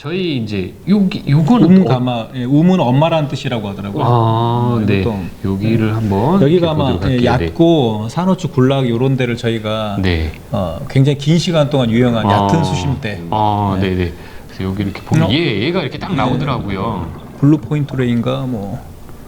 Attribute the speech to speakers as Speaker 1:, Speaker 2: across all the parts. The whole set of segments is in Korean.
Speaker 1: 저희 이제 요건
Speaker 2: 움가마, 예, 움은 엄마라는 뜻이라고 하더라고요.
Speaker 1: 아, 네.
Speaker 2: 또,
Speaker 1: 여기를 한번
Speaker 2: 여기가 아마
Speaker 1: 보도록 할게요.
Speaker 2: 얕고 산호초 굴락 이런 데를 저희가
Speaker 1: 네.
Speaker 2: 굉장히 긴 시간 동안 유용한 얕은 수심대.
Speaker 1: 아, 네, 네. 그래서 여기 이렇게 보면 얘가 이렇게 딱 나오더라고요.
Speaker 2: 블루 포인트 레인가 뭐.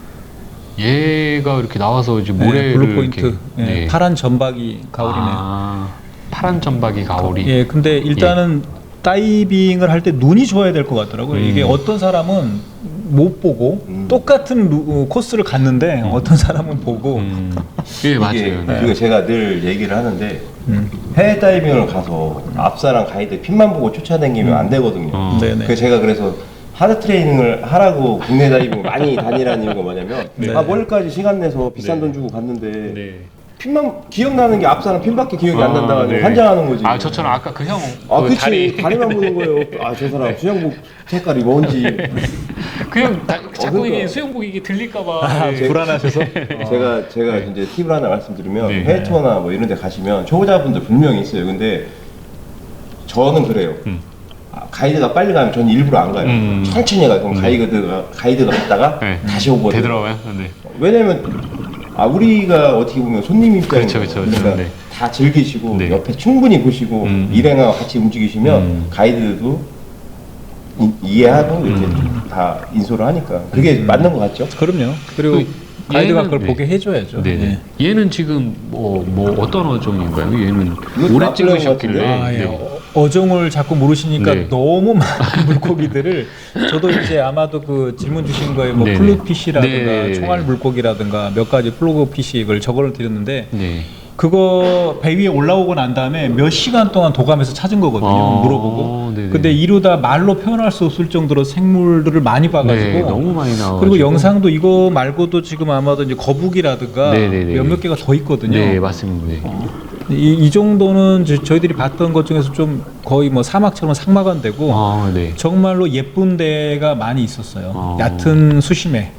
Speaker 1: 얘가 이렇게 나와서 이제 모래를
Speaker 2: 블루 포인트.
Speaker 1: 이렇게,
Speaker 2: 예,
Speaker 1: 네.
Speaker 2: 파란 전박이 가오리네요.
Speaker 1: 아, 파란 점박이 가오리.
Speaker 2: 예, 근데 일단은 다이빙을 할 때 눈이 좋아야 될 것 같더라고요. 이게 어떤 사람은 못 보고 똑같은 코스를 갔는데 어떤 사람은 보고
Speaker 1: 예, 맞아요.
Speaker 3: 이게
Speaker 1: 네.
Speaker 3: 그리고 제가 늘 얘기를 하는데 해외 다이빙을 가서 앞사람 가이드 핀만 보고 쫓아다니면 안 되거든요.
Speaker 2: 네네.
Speaker 3: 그래서 하드 트레이닝을 하라고 국내 다이빙 많이 다니라는 이유가 뭐냐면
Speaker 2: 네.
Speaker 3: 멀리까지 시간 내서 비싼
Speaker 1: 네.
Speaker 3: 돈 주고 갔는데
Speaker 1: 네.
Speaker 3: 핀만 기억나는 게 앞사람 핀밖에 기억이 안 난다고
Speaker 1: 네.
Speaker 3: 환장하는 거지.
Speaker 1: 아, 저처럼 아까 그 형 그
Speaker 3: 그치 다리만 보는 거예요. 저 사람 수영복 색깔이 뭔지.
Speaker 1: 그냥 자꾸
Speaker 3: 그러니까.
Speaker 1: 이게 수영복 이게 들릴까봐
Speaker 2: 불안하셔서.
Speaker 3: 제가 이제 팁을 하나 말씀드리면
Speaker 1: 네.
Speaker 3: 해외 투어나 뭐 이런 데 가시면 초보자분들 분명히 있어요. 근데 저는 그래요. 가이드가 빨리 가면 저는 일부러 안 가요. 천천히 가요. 그럼 가이드가 갔다가
Speaker 1: 네.
Speaker 3: 다시 오거든요.
Speaker 1: 되더라고요. 네.
Speaker 3: 왜냐면 우리가 어떻게 보면 손님 입장이죠.
Speaker 1: 그렇죠.
Speaker 3: 그러니까
Speaker 1: 네.
Speaker 3: 다 즐기시고
Speaker 1: 네.
Speaker 3: 옆에 충분히 보시고 일행하고 같이 움직이시면 가이드도 이해하고 이렇게 다 인솔을 하니까 그게 맞는 것 같죠?
Speaker 2: 그럼요. 그리고 가이드가 그걸
Speaker 1: 네.
Speaker 2: 보게 해줘야죠.
Speaker 1: 네네.
Speaker 2: 예.
Speaker 1: 얘는 지금 뭐 어떤 어종인가요? 얘는
Speaker 3: 이것도
Speaker 1: 오래
Speaker 3: 막걸리
Speaker 1: 찍으셨길래.
Speaker 3: 같은데?
Speaker 1: 네.
Speaker 2: 어종을 자꾸 물으시니까
Speaker 1: 네.
Speaker 2: 너무 많은 물고기들을 저도 이제 아마도 그 질문 주신 거에 뭐
Speaker 1: 네네.
Speaker 2: 플룻피쉬라든가
Speaker 1: 네.
Speaker 2: 총알 물고기라든가 몇 가지 플로그피쉬를 적어를 드렸는데
Speaker 1: 네.
Speaker 2: 그거 배 위에 올라오고 난 다음에 몇 시간 동안 도감에서 찾은 거거든요. 물어보고.
Speaker 1: 네네.
Speaker 2: 근데 이루다 말로 표현할 수 없을 정도로 생물들을 많이 봐가지고
Speaker 1: 네, 너무 많이 나와.
Speaker 2: 그리고 영상도 이거 말고도 지금 아마도 이제 거북이라든가
Speaker 1: 네네네.
Speaker 2: 몇몇 개가 더 있거든요.
Speaker 1: 네, 맞습니다. 네.
Speaker 2: 이 정도는 저희들이 봤던 것 중에서 좀 거의 뭐 사막처럼 상막한데고
Speaker 1: 아, 네.
Speaker 2: 정말로 예쁜 데가 많이 있었어요.
Speaker 1: 아.
Speaker 2: 얕은 수심에.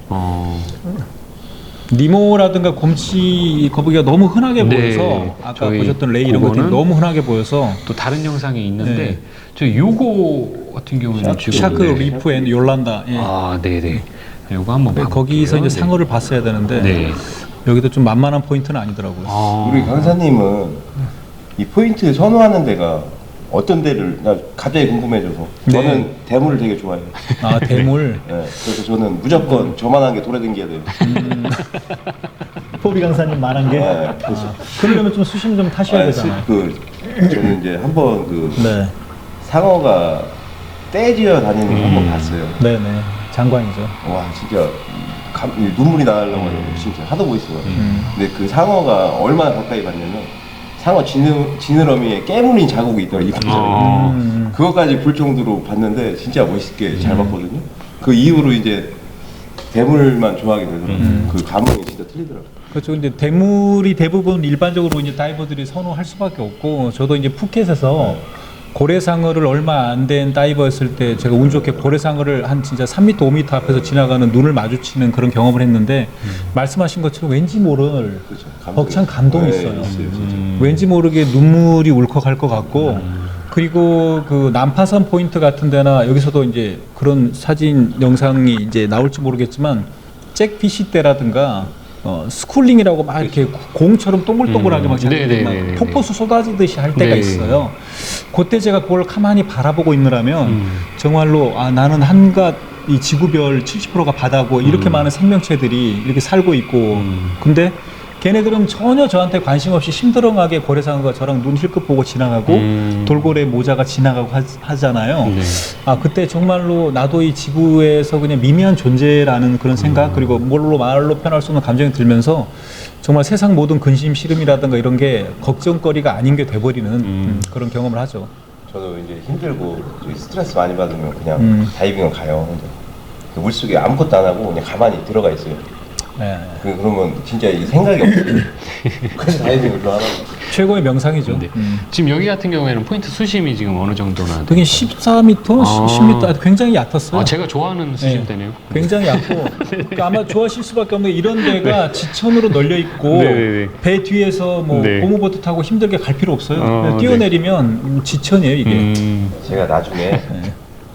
Speaker 2: 니모라든가 곰치 거북이가 너무 흔하게
Speaker 1: 네,
Speaker 2: 보여서 아까
Speaker 1: 저희
Speaker 2: 보셨던 레이 이런 것들이
Speaker 1: 그거는
Speaker 2: 너무 흔하게 보여서
Speaker 1: 또 다른 영상이 있는데
Speaker 2: 네.
Speaker 1: 저 요거 같은 경우는 지금
Speaker 2: 샤크
Speaker 1: 네.
Speaker 2: 리프 앤 요란다. 예.
Speaker 1: 아, 네네. 요거 한번 봐볼게요.
Speaker 2: 거기서 이제
Speaker 1: 네.
Speaker 2: 상어를 봤어야 되는데
Speaker 1: 네.
Speaker 2: 여기도 좀 만만한 포인트는 아니더라고요.
Speaker 1: 아,
Speaker 3: 우리 강사님은 이 포인트 선호하는 데가 어떤 데를 나 갑자기 궁금해져서 저는
Speaker 2: 네.
Speaker 3: 대물을 되게 좋아해요.
Speaker 2: 아 대물.
Speaker 3: 네, 그래서 저는 무조건 저만한 게 돌아다녀야 돼요.
Speaker 2: 포비 강사님 말한 게.
Speaker 3: 네, 그래서
Speaker 2: 그러려면 좀 수심 좀 타셔야 되잖아요.
Speaker 3: 저는 이제 한번
Speaker 2: 네,
Speaker 3: 상어가 떼지어 다니는 거 한번 봤어요.
Speaker 2: 네네, 장관이죠.
Speaker 3: 와 진짜 이 눈물이 나려고 진짜 하도 멋있어요. 근데 그 상어가 얼마나 가까이 봤냐면 상어 지느러미에 깨물린 자국이 있더라고요. 그것까지 볼 정도로 봤는데 진짜 멋있게 잘 봤거든요. 그 이후로 이제 대물만 좋아하게 되더라고요. 그 감흥이 진짜 틀리더라고요.
Speaker 2: 그렇죠. 근데 대물이 대부분 일반적으로 이제 다이버들이 선호할 수밖에 없고, 저도 이제 푸켓에서 고래상어를 얼마 안 된 다이버였을 때 제가 운 좋게 고래상어를 한 진짜 3m, 5m 앞에서 지나가는 눈을 마주치는 그런 경험을 했는데 말씀하신 것처럼 왠지 모를
Speaker 3: 그렇죠.
Speaker 2: 벅찬 감동이
Speaker 3: 네,
Speaker 2: 있어요.
Speaker 3: 진짜.
Speaker 2: 왠지 모르게 눈물이 울컥할 것 같고 그리고 그 난파선 포인트 같은 데나 여기서도 이제 그런 사진 영상이 이제 나올지 모르겠지만 잭피시 때라든가 스쿨링이라고 막 이렇게 공처럼 동글동글하게 막
Speaker 1: 네네네네.
Speaker 2: 폭포수 쏟아지듯이 할 때가
Speaker 1: 네.
Speaker 2: 있어요. 그때 제가 그걸 가만히 바라보고 있느라면 정말로 나는 한갓 이 지구별 70%가 바다고 이렇게 많은 생명체들이 이렇게 살고 있고 근데 걔네들은 전혀 저한테 관심 없이 심드렁하게 고래상어가 저랑 눈 힐끗 보고 지나가고 돌고래 모자가 지나가고 하잖아요.
Speaker 1: 네.
Speaker 2: 그때 정말로 나도 이 지구에서 그냥 미미한 존재라는 그런 생각 그리고 말로 표현할 수 없는 감정이 들면서 정말 세상 모든 근심 시름이라든가 이런 게 걱정거리가 아닌 게 돼버리는 그런 경험을 하죠.
Speaker 3: 저도 이제 힘들고 스트레스 많이 받으면 그냥 다이빙을 가요. 혼자. 그 물속에 아무것도 안 하고 그냥 가만히 들어가 있어요.
Speaker 2: 네.
Speaker 3: 그러면 진짜 이 생각이 없어요. 그래서 다이빙을 좋아하는
Speaker 2: 최고의 명상이죠.
Speaker 1: 네. 지금 여기 같은 경우에는 포인트 수심이 지금 어느 정도나?
Speaker 2: 되게 14m, 10m 굉장히 얕았어요.
Speaker 1: 제가 좋아하는 수심대네요.
Speaker 2: 굉장히 얕고 그러니까 아마 좋아하실 수밖에 없는 게 이런 데가 지천으로 널려 있고
Speaker 1: 네네네.
Speaker 2: 배 뒤에서 뭐
Speaker 1: 네.
Speaker 2: 고무보트 타고 힘들게 갈 필요 없어요. 그냥
Speaker 1: 네.
Speaker 2: 뛰어내리면 지천이에요 이게.
Speaker 3: 제가 나중에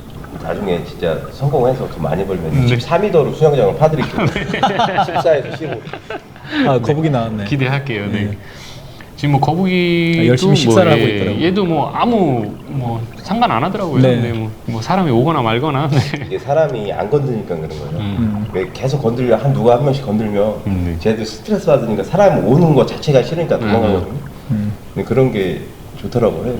Speaker 3: 나중에 진짜 성공해서 돈 많이 벌면 13미터로 수영장을 파드릴게요. 14에서 15.
Speaker 2: 아 거북이 나왔네.
Speaker 1: 기대할게요. 네. 지금 뭐 거북이도
Speaker 2: 열심히 식사를 하고 있더라고요.
Speaker 1: 얘도 뭐 아무 뭐 상관 안 하더라고요.
Speaker 2: 네.
Speaker 1: 네. 뭐 사람이 오거나 말거나. 네.
Speaker 3: 이게 사람이 안 건드니까 그런 거예요. 왜 계속 건들려 누가 한 명씩 건들면
Speaker 1: 네.
Speaker 3: 쟤도 스트레스 받으니까 사람 오는 거 자체가 싫으니까 도망가거든요. 근데 그런 게 좋더라고요.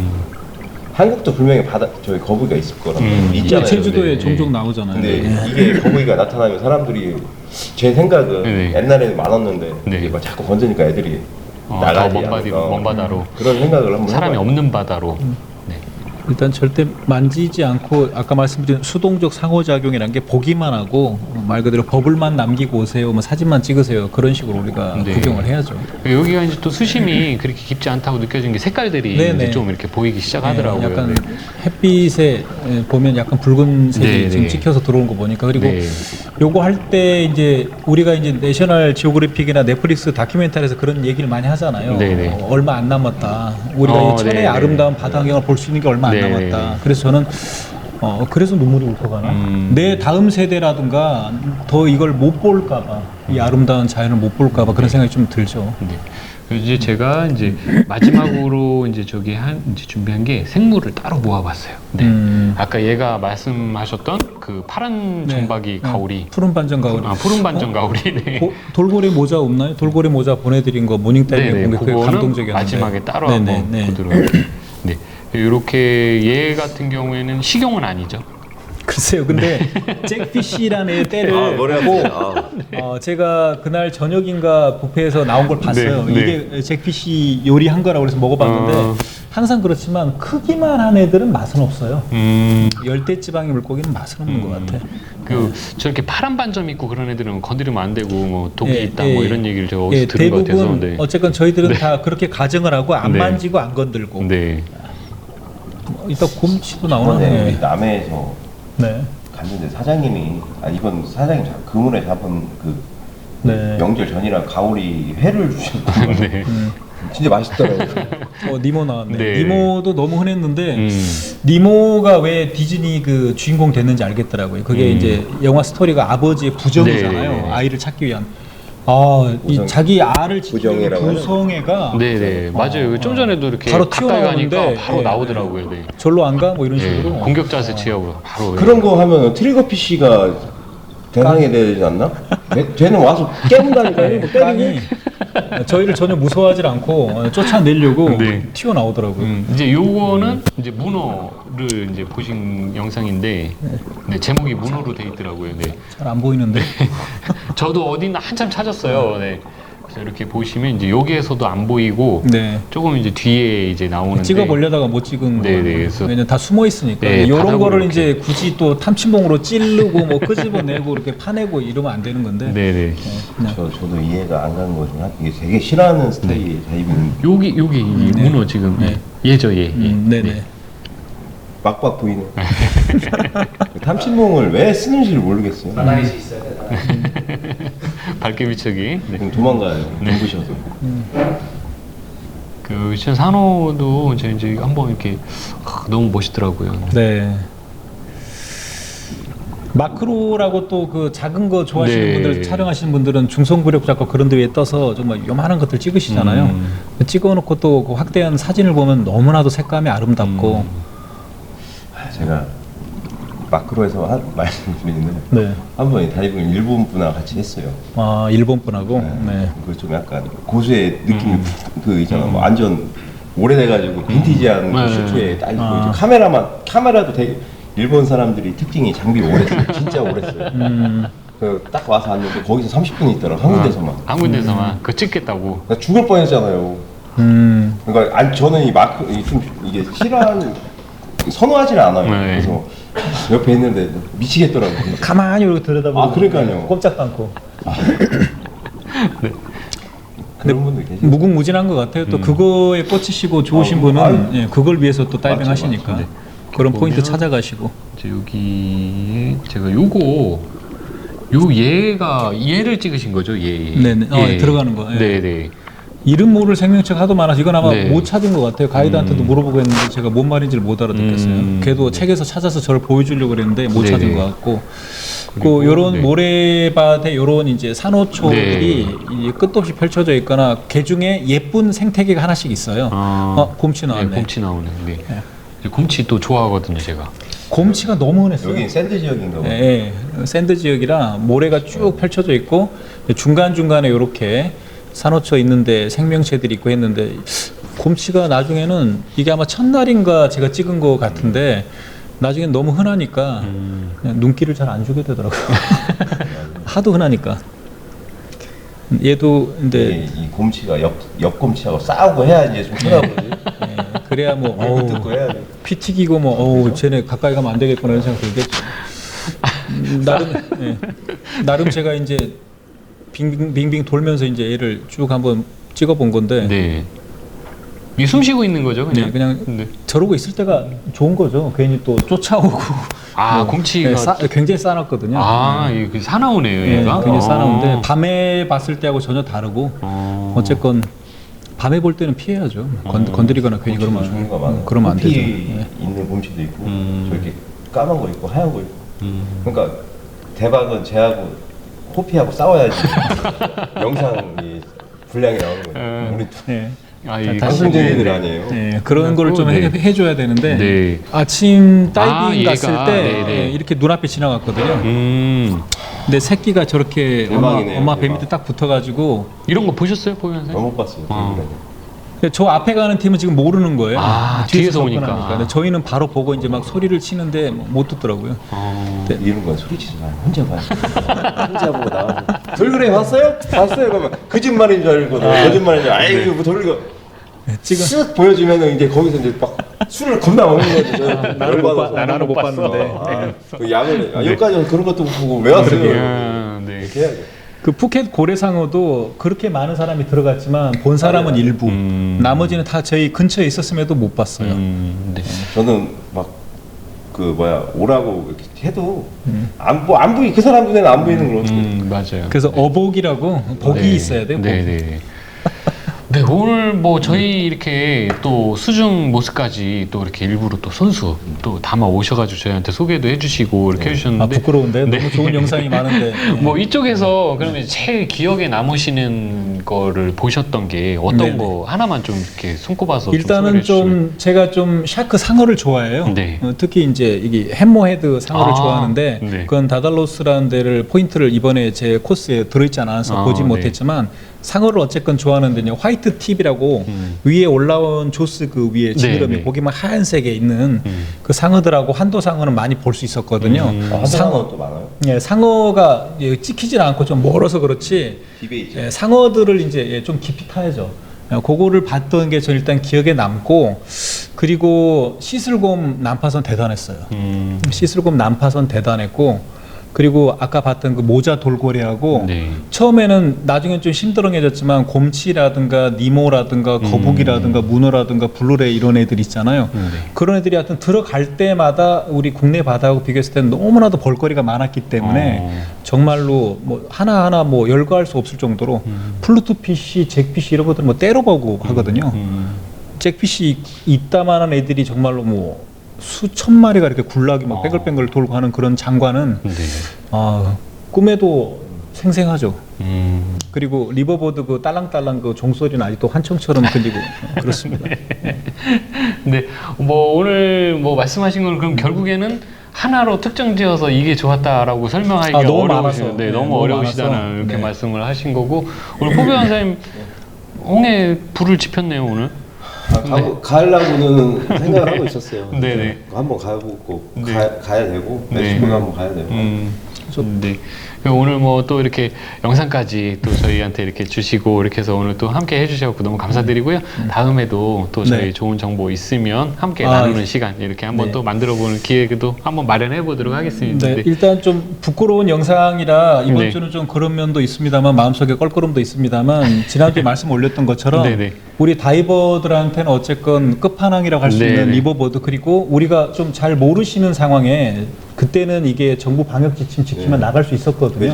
Speaker 3: 한국도 분명히 저희 거북이가 있을 거라고 있잖아요.
Speaker 2: 제주도에
Speaker 1: 네.
Speaker 2: 종종 나오잖아요.
Speaker 3: 근데
Speaker 2: 네.
Speaker 3: 이게 거북이가 나타나면 사람들이 제 생각은
Speaker 1: 네.
Speaker 3: 옛날에는 많았는데
Speaker 1: 네.
Speaker 3: 이게 막 자꾸 건드니까 애들이
Speaker 1: 더 먼 바다로.
Speaker 3: 그런 생각을 한번
Speaker 1: 사람이
Speaker 3: 해봐요.
Speaker 1: 없는 바다로. 네.
Speaker 2: 일단 절대 만지지 않고 아까 말씀드린 수동적 상호작용이라는 게 보기만 하고 말 그대로 버블만 남기고 오세요, 뭐 사진만 찍으세요 그런 식으로 우리가
Speaker 1: 네.
Speaker 2: 구경을 해야죠.
Speaker 1: 여기가 이제 또 수심이 그렇게 깊지 않다고 느껴진 게 색깔들이
Speaker 2: 네네.
Speaker 1: 이제 좀 이렇게 보이기 시작하더라고요.
Speaker 2: 네, 약간
Speaker 1: 네.
Speaker 2: 햇빛에 보면 약간 붉은색이
Speaker 1: 네,
Speaker 2: 지금
Speaker 1: 네.
Speaker 2: 찍혀서 들어온 거 보니까 그리고
Speaker 1: 네.
Speaker 2: 요거 할 때 이제 우리가 이제 내셔널 지오그래픽이나 넷플릭스 다큐멘터리에서 그런 얘기를 많이 하잖아요.
Speaker 1: 네, 네.
Speaker 2: 얼마 안 남았다. 우리가 이 천혜의
Speaker 1: 네, 네.
Speaker 2: 아름다운 바다경을 볼 수 있는 게 얼마 안
Speaker 1: 네,
Speaker 2: 남았다.
Speaker 1: 네.
Speaker 2: 그래서 저는 그래서 눈물이 울컥하나? 내 다음 세대라든가 더 이걸 못 볼까봐 이 아름다운 자연을 못 볼까봐 그런 생각이 좀 들죠.
Speaker 1: 네. 그래서 이제 제가 이제 마지막으로 이제 이제 준비한 게 생물을 따로 모아봤어요. 네. 아까 얘가 말씀하셨던 그 파란 점박이 가오리,
Speaker 2: 푸른 반전 가오리.
Speaker 1: 푸른 반전 가오리. 네.
Speaker 2: 돌고래 모자 없나요? 돌고래 모자 보내드린 거 모닝타임에 본 게 그게 감동적이었는데.
Speaker 1: 마지막에 따로
Speaker 2: 네네,
Speaker 1: 한번
Speaker 2: 네.
Speaker 1: 보도록. 네. 이렇게 얘 같은 경우에는 식용은 아니죠.
Speaker 2: 글쎄요, 근데 잭피쉬라는 애 때를 보고 제가 그날 저녁인가 뷔페에서 나온 걸 봤어요.
Speaker 1: 네,
Speaker 2: 이게 잭피쉬 요리한 거라고 그래서 먹어봤는데 항상 그렇지만 크기만 한 애들은 맛은 없어요. 열대지방의 물고기는 맛은 없는 것 같아.
Speaker 1: 저렇게 파란 반점 있고 그런 애들은 건드리면 안 되고 뭐 독이
Speaker 2: 예,
Speaker 1: 있다
Speaker 2: 예.
Speaker 1: 뭐 이런 얘기를 제가 어디서 들은 것 같아서.
Speaker 2: 대부분
Speaker 1: 네.
Speaker 2: 어쨌건 저희들은 다 그렇게 가정을 하고 안
Speaker 1: 네.
Speaker 2: 만지고 안 건들고.
Speaker 1: 네.
Speaker 2: 이따 곰치도 나오나?
Speaker 3: 이번에
Speaker 2: 네.
Speaker 3: 남해에서
Speaker 2: 네.
Speaker 3: 갔는데 사장님이 이번 사장님 그물에 잡은 그
Speaker 2: 네.
Speaker 3: 명절 전이라 가오리 회를 주셨거든요.
Speaker 1: 네.
Speaker 3: 진짜 맛있더라고요.
Speaker 2: 니모 나왔네.
Speaker 1: 네.
Speaker 2: 니모도 너무 흔했는데 니모가 왜 디즈니 그 주인공 됐는지 알겠더라고요. 그게 이제 영화 스토리가 아버지의 부정이잖아요.
Speaker 1: 네.
Speaker 2: 아이를 찾기 위한. 이 자기 알을 지키는
Speaker 3: 부정애라고 하죠.
Speaker 2: 부성애가
Speaker 1: 네네 맞아요. 좀 전에도 이렇게
Speaker 2: 바로
Speaker 1: 가까이 가니까
Speaker 2: 튀어나오는데,
Speaker 1: 바로
Speaker 2: 네.
Speaker 1: 나오더라고요. 네.
Speaker 2: 절로 안 가? 뭐 이런
Speaker 1: 네.
Speaker 2: 식으로.
Speaker 1: 공격 자세 취하고 바로.
Speaker 3: 그런 거 하면 트리거 피쉬가 대상이 되지 않나? 쟤는 와서 깨문다니까요. 뭐
Speaker 2: 깡이 저희를 전혀 무서워하지 않고 쫓아내려고
Speaker 1: 네.
Speaker 2: 튀어나오더라고요.
Speaker 1: 이제 요거는 이제 문어를 이제 보신 영상인데 네, 제목이 문어로 돼 있더라고요. 네.
Speaker 2: 잘 안 보이는데.
Speaker 1: 저도 어디나 한참 찾았어요. 네. 그래서 이렇게 보시면 이제 여기에서도 안 보이고
Speaker 2: 네.
Speaker 1: 조금 이제 뒤에 이제 나오는데
Speaker 2: 찍어 보려다가 못 찍은
Speaker 1: 네,
Speaker 2: 거예요.
Speaker 1: 네, 그래서
Speaker 2: 왜냐면 다 숨어 있으니까.
Speaker 1: 네,
Speaker 2: 이런
Speaker 1: 바닥으로
Speaker 2: 거를
Speaker 1: 이렇게.
Speaker 2: 이제 굳이 또 탐침봉으로 찌르고 뭐 끄집어내고 이렇게 파내고 이러면 안 되는 건데.
Speaker 1: 네네.
Speaker 2: 그냥
Speaker 3: 저도 이해가 안 가는 거죠. 이게 되게 싫어하는 스타일이 자입은
Speaker 1: 여기 이 문어 지금
Speaker 2: 네.
Speaker 1: 얘죠 얘.
Speaker 2: 네네.
Speaker 3: 막박 보이네. 탐침봉을 왜 쓰는지를 모르겠어요.
Speaker 4: 나나이시 있어야 돼.
Speaker 1: 밝게 비추기. 네.
Speaker 3: 그럼 도망가요. 눈부셔서.
Speaker 1: 그 산호도 제가 이제 한번 이렇게 너무 멋있더라고요.
Speaker 2: 네. 마크로라고 또 그 작은 거 좋아하시는
Speaker 1: 네.
Speaker 2: 분들 촬영하시는 분들은 중성부력 잡고 그런 데 위에 떠서 정말 요만한 것들 찍으시잖아요. 찍어놓고 또그 확대한 사진을 보면 너무나도 색감이 아름답고.
Speaker 3: 제가 마크로에서 말씀드리는
Speaker 2: 네.
Speaker 3: 한 번에 다이빙을 일본 분하고 같이 했어요.
Speaker 2: 아 일본 분하고. 네.
Speaker 3: 그 좀 약간 고수의 느낌이 그 있잖아. 뭐 완전 오래돼가지고 빈티지한 그 슈트에 딱 입고 이제 카메라도 되게 일본 사람들이 특징이 장비 오래 써요. 진짜 오래 써요. 딱 와서 왔는데 거기서 30분 있더라. 한 군데서만.
Speaker 1: 한 군데서만 그거 찍겠다고.
Speaker 3: 나 죽을 뻔했잖아요. 그러니까 저는 이게 싫어하는 선호하지는 않아요.
Speaker 1: 네.
Speaker 3: 그래서 옆에 있는데 미치겠더라고요.
Speaker 2: 가만히 이렇게 들여다보고.
Speaker 3: 그러니까요.
Speaker 2: 꼼짝도 않고.
Speaker 3: 그런 분들 계시죠.
Speaker 2: 무궁무진한 것 같아요. 또 그거에 꽂히시고 좋으신 분은 예, 그걸 위해서 또 다이빙
Speaker 3: 맞죠,
Speaker 2: 하시니까
Speaker 3: 맞죠.
Speaker 2: 그런 포인트
Speaker 1: 보면
Speaker 2: 찾아가시고.
Speaker 1: 이제 여기 제가 얘를 찍으신 거죠, 얘.
Speaker 2: 네네. 들어가는 거, 예.
Speaker 1: 네네.
Speaker 2: 이름 모를 생명체가 하도 많아서 이건 아마
Speaker 1: 네.
Speaker 2: 못 찾은 것 같아요. 가이드한테도 물어보고 했는데 제가 뭔 말인지를 못 알아듣겠어요. 걔도 책에서 찾아서 저를 보여주려고 그랬는데 못 찾은
Speaker 1: 네네.
Speaker 2: 것 같고.
Speaker 1: 그리고,
Speaker 2: 그 요런
Speaker 1: 네.
Speaker 2: 모래밭에 요런 이제 산호초들이
Speaker 1: 네.
Speaker 2: 이제 끝도 없이 펼쳐져 있거나 개 중에 예쁜 생태계가 하나씩 있어요. 곰치 나왔네.
Speaker 1: 네, 곰치 나오네. 네. 곰치 또 좋아하거든요, 제가.
Speaker 2: 곰치가 너무 흔했어요.
Speaker 3: 여긴 샌드 지역인가 봐.
Speaker 2: 예, 샌드 지역이라 모래가 쭉 펼쳐져 있고 중간 중간에 이렇게 산호초 있는데 생명체들이 있고 했는데 곰치가 나중에는 이게 아마 첫날인가 제가 찍은 것 같은데 나중엔 너무 흔하니까 그냥 눈길을 잘 안 주게 되더라고요. 하도 흔하니까. 얘도 근데
Speaker 3: 이 곰치가 옆 곰치하고 싸우고 해야 이제 좀 편하거든요.
Speaker 2: 예, 그래야 뭐
Speaker 3: 듣고 해야 돼.
Speaker 2: 피 튀기고 뭐 어우 쟤네 가까이 가면 안 되겠구나 이런 생각 들겠죠. 나름 제가 이제 빙빙 돌면서 이제 얘를 쭉 한번 찍어본 건데
Speaker 1: 네. 이 숨 쉬고 있는 거죠, 그냥?
Speaker 2: 네, 그냥
Speaker 1: 네.
Speaker 2: 저러고 있을 때가 좋은 거죠. 괜히 또 쫓아오고
Speaker 1: 아, 곰치가.
Speaker 2: 네, 굉장히 싸놨거든요.
Speaker 1: 아, 이게 사나우네요,
Speaker 2: 네,
Speaker 1: 얘가.
Speaker 2: 굉장히 싸나운데 밤에 봤을 때하고 전혀 다르고 어쨌건 밤에 볼 때는 피해야죠. 건드리거나 괜히
Speaker 3: 곰치도 좋은 거 많아.
Speaker 2: 그러면 안 되죠.
Speaker 3: 호피
Speaker 2: 네.
Speaker 3: 있는 곰치도 있고 저렇게 까만 거 있고 하얀 거 있고. 그러니까 대박은 쟤하고 호피하고 싸워야지 영상이 분량이 나오는 거예요. 우리
Speaker 2: 네.
Speaker 1: 아, 이
Speaker 3: 방송쟁이들 아니에요.
Speaker 2: 네, 그런 거를 좀
Speaker 1: 네.
Speaker 2: 해줘야 되는데
Speaker 1: 네.
Speaker 2: 아침 다이빙
Speaker 1: 얘가,
Speaker 2: 갔을 때
Speaker 1: 네네.
Speaker 2: 이렇게 눈앞에 지나갔거든요. 근데 새끼가 저렇게
Speaker 3: 대박이네요,
Speaker 2: 엄마 배
Speaker 3: 대박.
Speaker 2: 밑에 딱 붙어가지고
Speaker 1: 이런 거 보셨어요, 보면서?
Speaker 3: 너무 못 봤어요.
Speaker 2: 근데 저 앞에 가는 팀은 지금 모르는 거예요.
Speaker 1: 아, 뒤에서 오니까.
Speaker 2: 접근하니까. 근데 저희는 바로 보고 이제 막 소리를 치는데 못 듣더라고요.
Speaker 3: 이런 건 소리치지 마. 혼자 봐. 혼자 보고 나와서 돌고래 봤어요? 봤어요. 그러면 거짓말인 줄 알고 거짓말인 줄 알고 아이고 뭐 돌고래
Speaker 2: 지금
Speaker 3: 쓱 보여주면은 이제 거기서 이제 막 술을 겁나 먹는 거지. 저 열받아서.
Speaker 2: 나는 못 봤는데.
Speaker 3: 그 양을 여기까지 그런 것도 못 보고 왜 왔어요?
Speaker 1: 네.
Speaker 3: 이렇게 해야죠.
Speaker 2: 그 푸켓 고래상어도 그렇게 많은 사람이 들어갔지만 본 사람은 일부, 나머지는 다 저희 근처에 있었음에도 못 봤어요.
Speaker 1: 네.
Speaker 3: 저는 막 그 뭐야 오라고 이렇게 해도 안 보이 그 사람 눈에는 안 보이는 걸 어떻게?
Speaker 1: 맞아요.
Speaker 2: 그래서 어복이라고 복이
Speaker 1: 네.
Speaker 2: 있어야 돼요. 복.
Speaker 1: 네. 네, 오늘 뭐 저희 이렇게 또 수중 모습까지 또 이렇게 일부러 또 손수 또 담아 오셔가지고 저희한테 소개도 해주시고 이렇게 해주셨는데.
Speaker 2: 아 부끄러운데
Speaker 1: 네.
Speaker 2: 너무 좋은 영상이 많은데.
Speaker 1: 뭐 이쪽에서 그러면 제일 기억에 남으시는 거를 보셨던 게 어떤
Speaker 2: 네네.
Speaker 1: 거 하나만 좀 이렇게 손꼽아서 좀
Speaker 2: 일단은
Speaker 1: 소개해 주시면.
Speaker 2: 좀 제가 좀 샤크 상어를 좋아해요.
Speaker 1: 네.
Speaker 2: 특히 이제 이게 햄머헤드 상어를
Speaker 1: 아,
Speaker 2: 좋아하는데
Speaker 1: 네.
Speaker 2: 그건 다달로스라는 데를 포인트를 이번에 제 코스에 들어있지 않아서 보지
Speaker 1: 네.
Speaker 2: 못했지만 상어를 어쨌건 좋아하는데요. 화이트 팁이라고 위에 올라온 조스 그 위에 지느러미
Speaker 1: 네.
Speaker 2: 보기만 하얀색에 있는 그 상어들하고 한도 상어는 많이 볼 수 있었거든요.
Speaker 3: 상어 또 많아요.
Speaker 2: 예, 상어가 찍히질 않고 좀 멀어서 그렇지
Speaker 3: 집에 있죠.
Speaker 2: 예, 상어들을 이제 좀 깊이 타야죠. 그거를 봤던 게 저 일단 기억에 남고 그리고 시슬곰 난파선 대단했어요. 시슬곰 난파선 대단했고 그리고 아까 봤던 그 모자 돌고래하고
Speaker 1: 네.
Speaker 2: 처음에는 나중엔 좀 심드렁해졌지만 곰치라든가 니모라든가 거북이라든가 문어라든가 블루레이 이런 애들 있잖아요. 그런 애들이 하여튼 들어갈 때마다 우리 국내 바다하고 비교했을 때는 너무나도 볼거리가 많았기 때문에 정말로 뭐 하나하나 뭐 열거할 수 없을 정도로 플루토피쉬, 잭피쉬 이런 것들 뭐 때려보고 하거든요. 잭피쉬 이따만한 애들이 정말로 뭐 수천 마리가 이렇게 굴락이 막 뱅글뱅글 돌고 하는 그런 장관은
Speaker 1: 네.
Speaker 2: 꿈에도 생생하죠. 그리고 리버보드 그 딸랑딸랑 그 종소리는 아직도 환청처럼 들리고 그렇습니다.
Speaker 1: 네. 뭐 오늘 뭐 말씀하신 건 그럼 결국에는 하나로 특정지어서 이게 좋았다라고 설명하기가
Speaker 2: 너무
Speaker 1: 어려우시죠.
Speaker 2: 많아서.
Speaker 1: 네,
Speaker 2: 네,
Speaker 1: 너무
Speaker 2: 너무
Speaker 1: 어려우시다는
Speaker 2: 많아서.
Speaker 1: 이렇게
Speaker 2: 네.
Speaker 1: 말씀을 하신 거고 오늘 포비 원사님 홍해 불을 지폈네요 오늘.
Speaker 3: 가려고는 생각을 하고 있었어요.
Speaker 1: 네네.
Speaker 3: 한번 가보고
Speaker 1: 네.
Speaker 3: 가야 되고
Speaker 1: 네.
Speaker 3: 멕시코도 한번 가야 되고.
Speaker 1: 네. 오늘 뭐 또 이렇게 영상까지 또 저희한테 이렇게 주시고 이렇게 해서 오늘 또 함께 해주셔서 너무 감사드리고요. 다음에도 또 저희
Speaker 2: 네.
Speaker 1: 좋은 정보 있으면 함께 나누는
Speaker 2: 네.
Speaker 1: 시간 이렇게 한번
Speaker 2: 네.
Speaker 1: 또 만들어보는 기회도 한번 마련해 보도록 하겠습니다.
Speaker 2: 네,
Speaker 1: 네.
Speaker 2: 일단 좀 부끄러운 영상이라 이번
Speaker 1: 네.
Speaker 2: 주는 좀 그런 면도 있습니다만 마음속에 껄끄럼도 있습니다만 지난주에 말씀 올렸던 것처럼
Speaker 1: 네네.
Speaker 2: 우리 다이버들한테는 어쨌건 끝판왕이라고 할 수 있는
Speaker 1: 네네.
Speaker 2: 리버보드 그리고 우리가 좀 잘 모르시는 상황에 그때는 이게 정부 방역 지침 지키면 나갈 수 있었거든요.
Speaker 3: 그렇죠.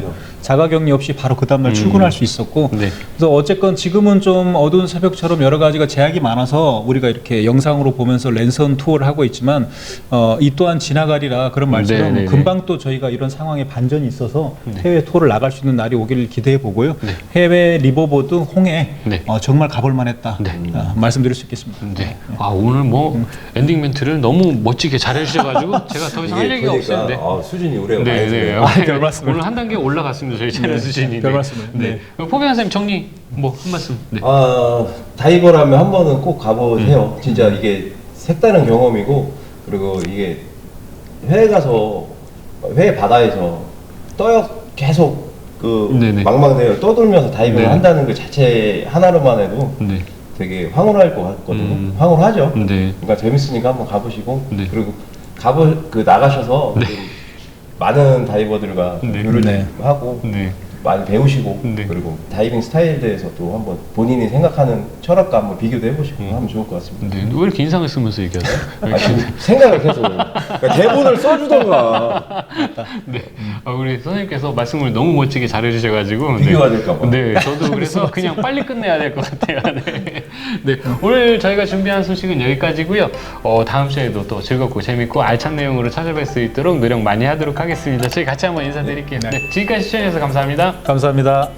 Speaker 2: 자가격리 없이 바로 그 다음날 출근할 수 있었고
Speaker 1: 네.
Speaker 2: 그래서 어쨌건 지금은 좀 어두운 새벽처럼 여러 가지가 제약이 많아서 우리가 이렇게 영상으로 보면서 랜선 투어를 하고 있지만 이 또한 지나가리라 그런 말처럼
Speaker 1: 네, 네,
Speaker 2: 금방 또 저희가 이런 상황에 반전이 있어서
Speaker 1: 네.
Speaker 2: 해외 투어를 나갈 수 있는 날이 오기를 기대해 보고요.
Speaker 1: 네.
Speaker 2: 해외 리버보드 홍해
Speaker 1: 네.
Speaker 2: 정말 가볼 만했다
Speaker 1: 네.
Speaker 2: 말씀드릴 수 있겠습니다.
Speaker 1: 네. 아 오늘 뭐 엔딩 멘트를 너무 멋지게 잘 해주셔가지고 제가 더 이상 할 얘기가 없었는데.
Speaker 3: 수준이 우리가
Speaker 1: 네,
Speaker 3: 많이
Speaker 1: 네.
Speaker 3: 좋아요.
Speaker 2: 별 말씀을.
Speaker 1: 오늘 한 단계 올라갔습니다. 저희 채널 수준이.
Speaker 2: 별 말씀을.
Speaker 1: 네. 포비안 선생님 정리 뭐 한 말씀. 네.
Speaker 3: 다이버라면 한 번은 꼭 가보세요. 진짜 이게 색다른 경험이고 그리고 이게 해외 가서 해외 바다에서 계속 그
Speaker 1: 네네.
Speaker 3: 망망대해를 떠돌면서 다이빙을
Speaker 1: 네.
Speaker 3: 한다는 그 자체 하나로만 해도
Speaker 1: 네.
Speaker 3: 되게 황홀할 것 같거든요. 황홀하죠.
Speaker 1: 네.
Speaker 3: 그러니까 재밌으니까 한번 가보시고
Speaker 1: 네.
Speaker 3: 그리고 나가셔서
Speaker 1: 네.
Speaker 3: 좀 많은 다이버들과
Speaker 1: 네.
Speaker 3: 교류를
Speaker 2: 네.
Speaker 3: 하고
Speaker 1: 네.
Speaker 3: 많이 배우시고
Speaker 1: 네.
Speaker 3: 그리고 다이빙 스타일에 대해서 또 한번 본인이 생각하는 철학과 한번 비교도 해보시고 하면 좋을 것 같습니다.
Speaker 1: 네. 왜 이렇게 인상을 쓰면서 얘기하세요?
Speaker 3: 생각을 계속 그러니까 대본을 써주던가
Speaker 1: 네. 우리 선생님께서 말씀을 너무 멋지게 잘해주셔가지고
Speaker 3: 비교가 될까 봐.
Speaker 1: 네, 저도 그래서 그냥 빨리 끝내야 될 것 같아요. 네. 네, 오늘 저희가 준비한 소식은 여기까지고요. 다음 시간에도 또 즐겁고 재밌고 알찬 내용으로 찾아뵐 수 있도록 노력 많이 하도록 하겠습니다. 저희 같이 한번 인사드릴게요. 네, 지금까지 시청해주셔서 감사합니다.
Speaker 2: 감사합니다.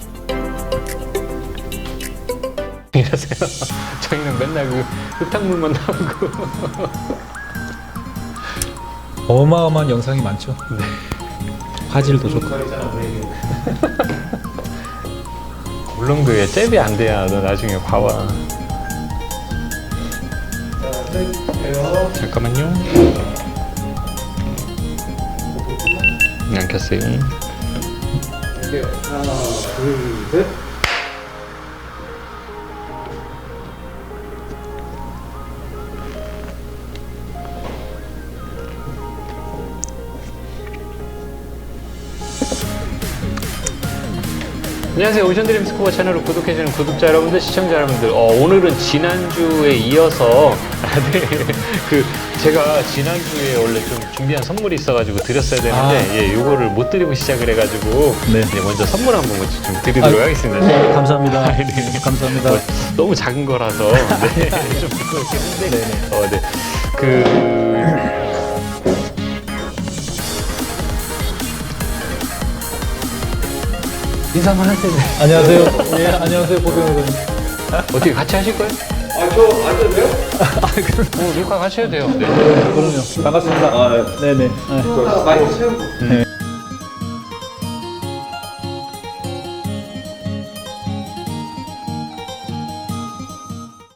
Speaker 1: 이러세요. 저희는 맨날 그 흙탕물만 나오고.
Speaker 2: 어마어마한 영상이 많죠.
Speaker 1: 네.
Speaker 2: 화질도 좋고.
Speaker 1: 울릉도에 잽이 안 돼야 너 나중에 봐봐. 잠깐만요. 안 켰어요.
Speaker 3: 하나, 둘, 셋.
Speaker 1: 안녕하세요. 오션드림 스코어 채널을 구독해주는 구독자 여러분들, 시청자 여러분들. 오늘은 지난주에 이어서 제가 지난주에 원래 좀 준비한 선물이 있어가지고 드렸어야 되는데 요거를 못 드리고 시작을 해가지고
Speaker 2: 네.
Speaker 1: 먼저 선물 한번 좀 드리도록 하겠습니다. 네.
Speaker 2: 감사합니다.
Speaker 1: 네.
Speaker 2: 감사합니다.
Speaker 1: 너무 작은 거라서 좀 부끄럽긴 한데 인사만 할 텐데
Speaker 2: 안녕하세요. 예, 안녕하세요. 보병 의원님.
Speaker 1: 어떻게 같이 하실 거예요?
Speaker 3: 저 앉아도 돼요?
Speaker 1: 녹화 같이 해도 돼요. 네.
Speaker 2: 그럼요. 반갑습니다. 네네.
Speaker 3: 마이크 채우고.
Speaker 2: 네.